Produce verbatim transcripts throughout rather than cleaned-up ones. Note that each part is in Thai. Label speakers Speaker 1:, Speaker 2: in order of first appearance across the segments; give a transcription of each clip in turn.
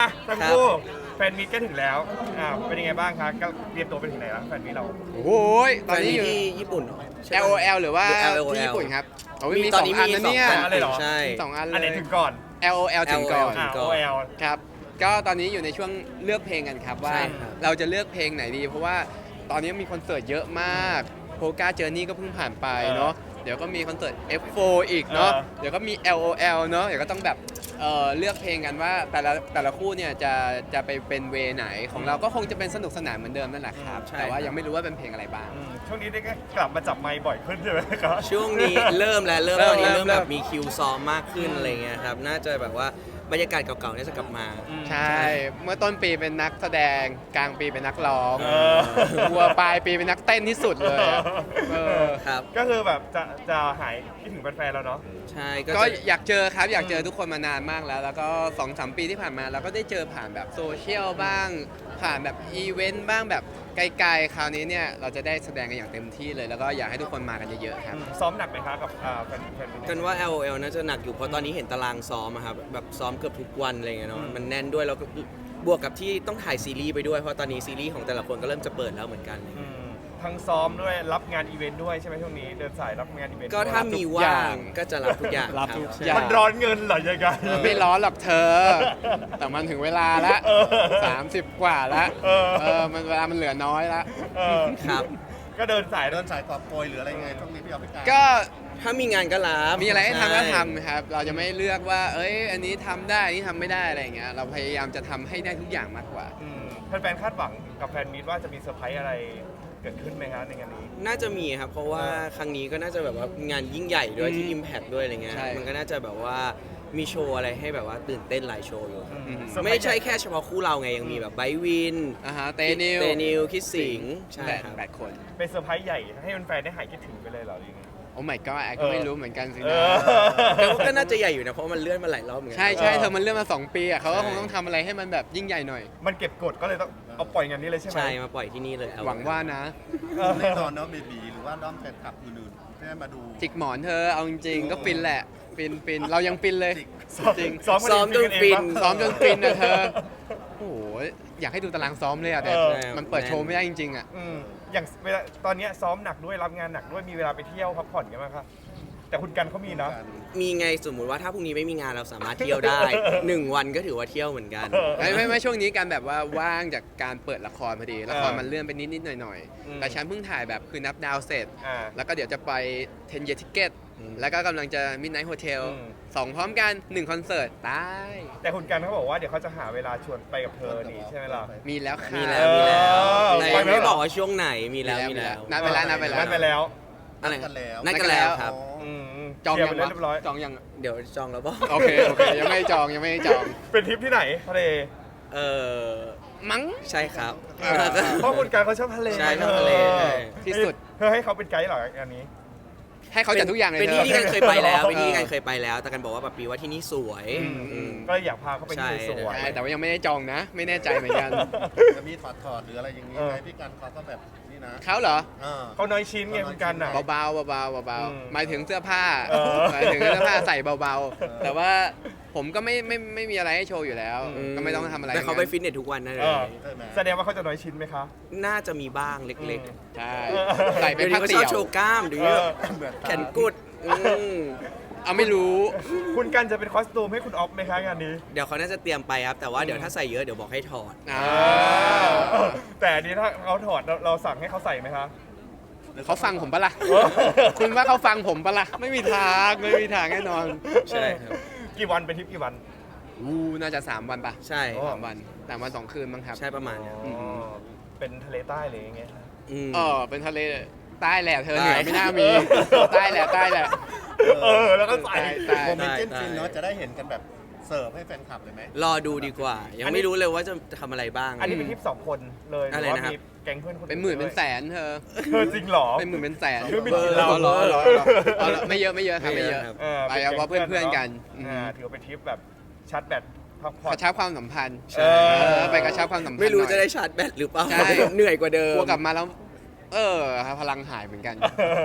Speaker 1: อ่ะทั้งคู่แฟนมีตก็ถึงแล้วอ่าเป็นยังไงบ้างครับก็เตรียมตัวไปถึงไหนแล้วแฟนมีตเรา
Speaker 2: โอ้โหตอนนี้อยู่
Speaker 3: ที่ญี่ปุ่นใช่
Speaker 2: แอล
Speaker 3: ปะ
Speaker 2: โอ แอล หรือว่า
Speaker 3: หรือ แอล โอ แอล
Speaker 2: ที่ญี่ปุ่นครับโอ้ย
Speaker 3: มี
Speaker 2: มี
Speaker 3: ต
Speaker 2: ส
Speaker 3: อน
Speaker 2: อง
Speaker 3: นี้
Speaker 2: อัน
Speaker 3: มี
Speaker 2: นะ
Speaker 3: สอง
Speaker 2: เนี่ย
Speaker 3: อัน
Speaker 1: อะไรเหรอ
Speaker 3: ใช่
Speaker 2: มีสองอันเล
Speaker 1: อันไหน
Speaker 2: ย
Speaker 1: ถึงก่อน
Speaker 2: แอล โอ แอล ถึงก่อน
Speaker 1: อ่า
Speaker 3: ก่
Speaker 1: โอ
Speaker 3: อน
Speaker 1: เอล
Speaker 2: ครับก็ตอนนี้อยู่ในช่วงเลือกเพลงกันครับว่า
Speaker 3: ใช่ครับ
Speaker 2: เราจะเลือกเพลงไหนดี เพราะว่าตอนนี้มีคอนเสิร์ตเยอะมากโพกาเจอร์นี่ก็เพิ่งผ่านไปเนาะเดี๋ยวก็มีคอนเสิร์ต เอฟ โฟร์ อีกเนาะ
Speaker 1: เออ
Speaker 2: เดี๋ยวก็มี แอล โอ แอล เนาะเดี๋ยวก็ต้องแบบเอ่อเลือกเพลงกันว่าแต่ละแต่ละคู่เนี่ยจะจะไปเป็นเวไหนของเราก็คงจะเป็นสนุกสนานเหมือนเดิมนั่นแหละครับ
Speaker 3: ใช่
Speaker 2: แต่ว่า
Speaker 3: ครับ
Speaker 2: ยังไม่รู้ว่าเป็นเพลงอะไรบ้าง
Speaker 1: อืมช่วงนี้ได้กลับมาจับไมค์บ่อยขึ้นใช่ไหมครับ
Speaker 3: ช่วงนี้เริ่มแล้วเริ่ม
Speaker 2: เริ่
Speaker 3: ต
Speaker 2: ม
Speaker 3: อนนี้
Speaker 2: เริ่
Speaker 3: เริ่
Speaker 2: ม
Speaker 3: มแบบ
Speaker 2: เริ่ม
Speaker 3: มีคิวซ้อมมากขึ้นอะไรเงี้ยครับน่าจะแบบว่าบรรยากาศเก่าๆเนี่ยจะกลับมา
Speaker 2: ใช่ เมื่อต้นปีเป็นนักแสดง กลางปีเป็นนักร้อง
Speaker 1: เออ
Speaker 2: วัวปลายปีเป็นนักเต้นที่สุดเลยอะเออ
Speaker 3: ครับ
Speaker 1: ก็คือแบบจะจะหายคิดถึงแฟนๆแล้วเนาะ
Speaker 3: ใช่ก็
Speaker 2: ก็
Speaker 3: จะ
Speaker 2: อยากเจอครับ อยากเจอทุกคนมานานมากแล้ว แล้วก็สองสามปีที่ผ่านมาเราก็ได้เจอผ่านแบบโซเชียลบ้าง ผ่านแบบอีเวนต์บ้างแบบไกลๆ คราวนี้เนี่ยเราจะได้แสดงกันอย่างเต็มที่เลย แล้วก็อยากให้ทุกคนมากันเยอะๆครับ
Speaker 1: ซ้อมหนักไหมคะกับอ่าแฟนแฟนมีต
Speaker 3: กันว่า แอล โอ แอล น่าจะหนักอยู่เพราะตอนนี้เห็นตารางซ้อมอะครับแบบซ้อมเกือบทุกวันอะไรเงี้ยเนาะ
Speaker 1: อืม
Speaker 3: มันแน่นด้วยแล้วก็บวกกับที่ต้องถ่ายซีรีส์ไปด้วยเพราะตอนนี้ซีรีส์ของแต่ละคนก็เริ่มจะเปิดแล้วเหมือนกัน
Speaker 1: อืมทั้งซ้อมด้วยรับงานอีเวนต์ด้วยใช่ไหมช่วงนี้เดินสายรับงานอีเวนต์
Speaker 3: ก็ถ้ามี
Speaker 2: ทุกอ
Speaker 3: ว่า
Speaker 2: ย่าง
Speaker 3: งก็จะรับทุกอย่าง
Speaker 2: รับ
Speaker 3: ค
Speaker 2: ทุก
Speaker 3: ใช่
Speaker 2: อย่าง
Speaker 1: มันร้อนเงินเหรอยังไง
Speaker 2: ไม่ร้อนหรอกเธอ แต่มันถึงเวลาละ
Speaker 1: เออ
Speaker 2: สามสิบกว่าละ
Speaker 1: เออ
Speaker 2: เออมันเวลามันเหลือน้อยละ
Speaker 1: เออ
Speaker 3: ครับ
Speaker 1: ก็เดินสาย
Speaker 4: เดินสายกอบโกยหรืออะไรยังไงช่วงนี้พี่เอาพี่การ
Speaker 2: ก็
Speaker 3: ถ้ามีงานก็รับ
Speaker 2: มีอะไรให้ทำก็
Speaker 3: ใช่
Speaker 2: ทำครับ เราจะไม่เลือกว่า เอ้ย อันนี้ทำได้ อันนี้ทำไม่ได้อะไรอย่างเงี้ย เราพยายามจะทำให้ได้ทุกอย่างมากกว่า
Speaker 1: อืมแฟนๆคาดหวังกับแฟนมีตว่าจะมีเซอร์ไพรส์อะไรเกิดขึ้นไหมครับในงานนี้
Speaker 3: น่าจะมีครับ เพราะว่าครั้งนี้ก็น่าจะแบบว่างานยิ่งใหญ่ด้วยที่
Speaker 2: อืม
Speaker 3: Impact ด้วยอะไรเงี้ย
Speaker 2: ใช่
Speaker 3: มันก็น่าจะแบบว่ามีโชว์อะไรให้แบบว่าตื่นเต้นหลายโชว์อยู่ครับ
Speaker 1: อืม
Speaker 3: ไม่ใช่แค่เฉพาะคู่เราไงยังมีแบบไบร์ทวิน
Speaker 2: อ่าฮะเตนิว
Speaker 3: เตนิวคิดสิงห์ใช่
Speaker 2: แปด
Speaker 3: ครับ
Speaker 2: แปดคน
Speaker 1: เป็นเซอร์ไพรส์ใหญ่ให้แฟนๆได้หายคิดถึงไปเลยเหรอหรือยังไง
Speaker 2: โอ้ my god แอคก็ไม่รู้เหมือนกันสิ
Speaker 1: เอ
Speaker 2: นะ
Speaker 1: อ
Speaker 3: แต่ว่าก็น่าจะใหญ่อยู่นะเพราะมันเลื่อนมาหลายรอบเหมือนกั
Speaker 2: ใช่ใช่
Speaker 1: เออ
Speaker 2: เธอมันเรื่องมาสองปีอ่ะเขาก็
Speaker 3: ใช่
Speaker 2: คงต้องทำอะไรให้มันแบบยิ่งใหญ่หน่อย
Speaker 1: มันเก็บกดก็เลยต้องเอาปล่อยงานนี้เลยใช่ไหม
Speaker 3: ใช่มาปล่อยที่นี่เลยเอ
Speaker 2: หวังว่านะ
Speaker 1: เออ
Speaker 4: แน่นอนเนาะเบบีหรือว่าด้อมแฟนคลับอื่นๆที่ได้มาดู
Speaker 2: จิกหมอนเธอ เอาจริงๆก็ฟินแหละ ฟินฟินเรายังฟินเลย
Speaker 1: ซ้อม
Speaker 2: จริง
Speaker 1: ซ้อม
Speaker 3: ซ้อมจนฟิน
Speaker 2: ซ้อมจนฟินนะเธอ โอ้โห อยากให้ดูตารางซ้อมเลยอ่ะแต่
Speaker 1: เออ
Speaker 2: มันเปิดโชว์ไม่ได้จริงๆอ่ะ
Speaker 1: อืมอย่างเวลาตอนเนี้ยซ้อมหนักด้วยรับงานหนักด้วยมีเวลาไปเที่ยวพักผ่อนกันไหมครับแต่คุณกันเขามีนะ
Speaker 3: มีไงสมมุติว่าถ้าพรุ่งนี้ไม่มีงานเราสามารถเที่ยวได้ หนึ่งวันก็ถือว่าเที่ยวเหมือนกัน
Speaker 1: เออ
Speaker 2: ไม่ไม่ไม่ช่วงนี้การแบบว่าว่างจากการเปิดละครพอดี ละคร
Speaker 1: เออ
Speaker 2: มันเลื่อนไปนิดนิดๆหน่อยหน่อยๆ
Speaker 1: อืม
Speaker 2: แต่ฉันเพิ่งถ่ายแบบคือนับดาวเสร็จ
Speaker 1: อ่า
Speaker 2: แล้วก็เดี๋ยวจะไปเทนเยติเกต
Speaker 3: อืม
Speaker 2: แล้วก็กำลังจะมิดไนท์โฮเทล
Speaker 1: อืม
Speaker 2: สองพร้อมกันหนึ่งคอนเสิร์ตตาย
Speaker 1: แต่คุณกันเขาบอกว่าเดี๋ยวเขาจะหาเวลาชวนไปกับเธอนี่ใช่ไหมล่ะ
Speaker 2: มีแล้วค่ะ
Speaker 3: มีแล้วมีแล้ว
Speaker 1: เออ
Speaker 3: แต่
Speaker 1: ไป
Speaker 3: ยัง
Speaker 1: ไหม
Speaker 3: ไม่บอกว่าช่วงไหนมีแล้ว
Speaker 2: มี
Speaker 3: มี
Speaker 2: แล้
Speaker 3: แล้ว ว
Speaker 2: นัดไปแล้วนัดไปแล้ว
Speaker 1: นัดไปแล้ว
Speaker 3: อะไร
Speaker 4: นัดกันแล้ว
Speaker 3: นัดกันแล้วครับ
Speaker 1: อืม
Speaker 2: จอง
Speaker 1: เคลีย
Speaker 2: ยั
Speaker 1: ร์
Speaker 2: ง
Speaker 1: ไป
Speaker 2: วะ
Speaker 1: เรียบร้อย
Speaker 2: จองยัง
Speaker 3: เดี๋ยวจองแล้วบอก
Speaker 2: โอเคโอเคยังไม่ได้จองยังไม่ได้จอง
Speaker 1: เป็นทริปที่ไหนทะเล
Speaker 3: เออ
Speaker 2: มั้ง
Speaker 3: ใช่ครับ
Speaker 2: เออ
Speaker 1: เพราะคุณกันเขาชอบทะเล
Speaker 3: ใช่ชอบทะเล
Speaker 1: ออ
Speaker 2: ที่สุด
Speaker 1: เธอให้เขาเป็นไกด์เหรออันนี้
Speaker 2: ให้เขาจัดทุกอย่างเลย
Speaker 3: เป็น
Speaker 2: เธ
Speaker 3: ที่
Speaker 2: อ
Speaker 3: ที่กันเคยไปแล้ว
Speaker 1: เออ
Speaker 3: เป็นที่ที่กันเคยไปแล้ว แต่กันบอกว่าแบบปีว่าที่นี่สวย
Speaker 1: อืม
Speaker 3: อืม
Speaker 1: ก็เลยอยากพาเขาไปที่
Speaker 3: ใช่
Speaker 1: สวย
Speaker 2: ใช่แต่ว่ายังไม่ได้จองนะ ไม่แน่ใจเหมือนกัน
Speaker 4: จะมีถอดถอดๆหรืออะไรอย่างนี้
Speaker 1: เออ
Speaker 4: ไหมพี่การเขาก็แบบนี่นะ
Speaker 2: เขาเหรอ
Speaker 4: เออ
Speaker 1: เขาน้อยชิ้นไงคุณกันอ่ะ
Speaker 2: เบาๆเบาๆเบา
Speaker 1: อืม
Speaker 2: ๆหมายถึงเสื้อผ้า
Speaker 1: เออ
Speaker 2: หมายถึงเสื้อผ้าใส่เบาๆ แต่ว่าผมก็ไม่ไม่ไม่มีอะไรให้โชว์อยู่แล้ว
Speaker 1: อืม
Speaker 2: ก็ไม่ต้องทำอะไร
Speaker 3: แต่เขาไป
Speaker 2: งั้น
Speaker 3: ฟิตเนสทุกวันนะเล
Speaker 1: เอย อ
Speaker 4: ใช่ไหม
Speaker 1: แสดงว่าเขาจะน้อยชิ้นไหมคะ
Speaker 3: น่าจะมีบ้างเล็ก
Speaker 2: ใช่
Speaker 1: เออ
Speaker 2: ใส่
Speaker 3: ๆ
Speaker 2: เป็น
Speaker 3: เดี๋ยว
Speaker 2: ผ้า
Speaker 3: นี้ก็ช
Speaker 2: เตี่
Speaker 3: อบ
Speaker 2: ยว
Speaker 3: โชว์กล้ามเดี๋ยวนี้
Speaker 1: เออ
Speaker 4: เหมือน
Speaker 3: แขนกุดอืม
Speaker 2: เอาไม่รู้
Speaker 1: คุณกันจะเป็นคอสตูมให้คุณออฟไหมคะงานนี้
Speaker 3: เดี๋ยวเขาน่าจะเตรียมไปครับ แต่ว่าเดี๋ยวถ้าใส่เยอะเดี๋ยวบอกให้ถอด
Speaker 2: อ่า
Speaker 1: แต่อันนี้ถ้าเขาถอดเราเราสั่งให้เขาใส่ไหมคะ
Speaker 2: เขาฟังผมปะล่ะ คุณว่าเขาฟังผมปะล่ะ ไม่มีทาง ไม่มีทางแน่นอน
Speaker 3: ใช่ครับ
Speaker 1: กี่วันเป็นทริปกี่วัน
Speaker 2: อู้น่าจะสามวันปะ
Speaker 3: ใช่
Speaker 1: โอ้
Speaker 2: สามวันสามวันสองคืนมั้งครับ
Speaker 3: ใช่ประมาณเนี้ย
Speaker 1: อ๋อเป็นทะเลใต้เลยอย่างเงี้ย
Speaker 3: ม
Speaker 2: เออเป็นทะเลใต้แหละเธอเห
Speaker 3: ใต้
Speaker 2: นือไม่น่ามี ใต้แหละใต้แหละ
Speaker 1: เออแล้วก็ใส่
Speaker 2: ใต้
Speaker 4: โมเมนต์
Speaker 3: ได้
Speaker 4: จิ้นฟินเนาะจะได้เห็นกันแบบเสิร์ฟให้แฟนคลับเลยไหม
Speaker 3: รอดูดีกว่า ยังไม่รู้เลยว่าจะทำอะไรบ้าง
Speaker 1: อันนี้เป็นทริปสองคนเลยห
Speaker 3: อะไร
Speaker 1: รือว่า
Speaker 3: นะครับ
Speaker 1: มีแก๊งเพื่อนคน
Speaker 2: เป็นหมื่นเป็นแส
Speaker 1: น
Speaker 2: นเธอ
Speaker 1: เธอจริงเหรอ
Speaker 2: เป็นหมื่นเป็นแสน
Speaker 1: เรื่องไม่
Speaker 2: เบ
Speaker 1: กิ
Speaker 2: อน ร์
Speaker 1: เหล้า
Speaker 2: เหรอเหรอเหรอเหรอไม่เยอะไม่เยอะครับไม่เยอะ
Speaker 3: ครับ
Speaker 1: ออ
Speaker 2: ไปเอาเพราะเพื่อนๆกันอืม
Speaker 1: อ่าถือว่าเป็นทริปแบบชาร์จแบตพักผ่อก น
Speaker 2: ระชับความสัมพันธ์
Speaker 1: เออ
Speaker 2: เออไปกระชับความสัมพันธ์
Speaker 3: ไม่รู้
Speaker 2: หน่อย
Speaker 3: จะได้ชาร์จแบตหรือเปล่า
Speaker 2: ใช่
Speaker 3: เหนื่อยกว่าเดิม
Speaker 2: กลัวกลับมาแล้ว เออพลังหายเหมือนกัน
Speaker 1: ก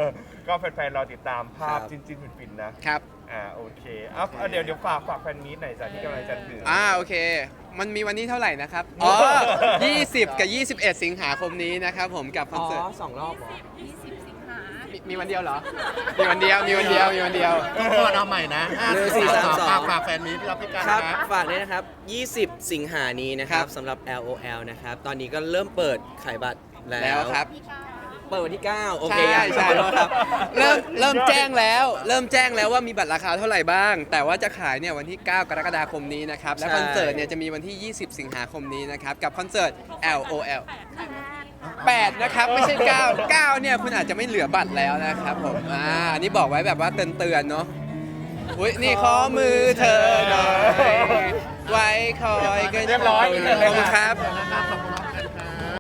Speaker 1: ก็แฟนๆรอติดตามภาพ
Speaker 3: ครับ
Speaker 1: จินๆฟินๆนะครับ อ่าโอเคอ่ะเอาเดี๋ยวเดี๋ยวฝากฝากแฟนมีตหน่อยจ้ะที่กำลังจะถึง
Speaker 2: อ่าโอเค มันมีวันนี้เท่าไหร่นะครับ อ๋อ ยี่สิบ กับ ยี่สิบเอ็ด สิงหาคมนี้นะครับผมกับคอน
Speaker 3: อ๋อ
Speaker 2: เสิร์ต
Speaker 3: สองรอบเหรอ
Speaker 5: ยี่สิบสิงหา
Speaker 2: มีมีวันเดียวเหรอ มีวันเดียว มีวันเดียว มีวันเดียว
Speaker 4: ต้องก่อนเอาใหม่นะห้า
Speaker 3: หนึ่ง
Speaker 4: สี่
Speaker 3: สี่
Speaker 4: สาม
Speaker 3: สาม
Speaker 4: สอง
Speaker 3: สอง
Speaker 4: ฝากแฟนมีที่รับพิการ
Speaker 3: ครับ
Speaker 4: นะ
Speaker 3: ฝากด้วยนะครับ ยี่สิบ สิงหานี้นะครับ
Speaker 2: ครับ
Speaker 3: สำหรับ แอล โอ แอล นะครับ ตอนนี้ก็เริ่มเปิดขายบัตรแล้ว
Speaker 2: แล้วครับ
Speaker 3: เปิดวันที่ เก้า โอเค
Speaker 2: ใช่ใช่
Speaker 3: ขอโทษครับ
Speaker 2: เริ่มเริ่มแจ้งแล้ว เริ่มแจ้งแล้วว่ามีบัตรราคาเท่าไหร่บ้าง แต่ว่าจะขายเนี่ยวันที่ เก้า กรกฎาคมนี้นะครับ และ
Speaker 3: ใช่
Speaker 2: คอนเสิร์ตเนี่ยจะมีวันที่ ยี่สิบ สิงหาคมนี้นะครับ กับคอนเสิร์ต แอล โอ แอล แปดนะครับ ไม่ใช่ เก้า เก้าเนี่ยคุณอาจจะไม่เหลือบัตรแล้วนะครับผม อ่าอันนี้บอกไว้แบบว่าเตือนๆเนาะ อุ้ยนี่ขอมือเธอหน่อย ไว้คอยกัน
Speaker 1: เรียบร้อย
Speaker 2: ขอบคุณครับ
Speaker 4: นะครับขอบคุณ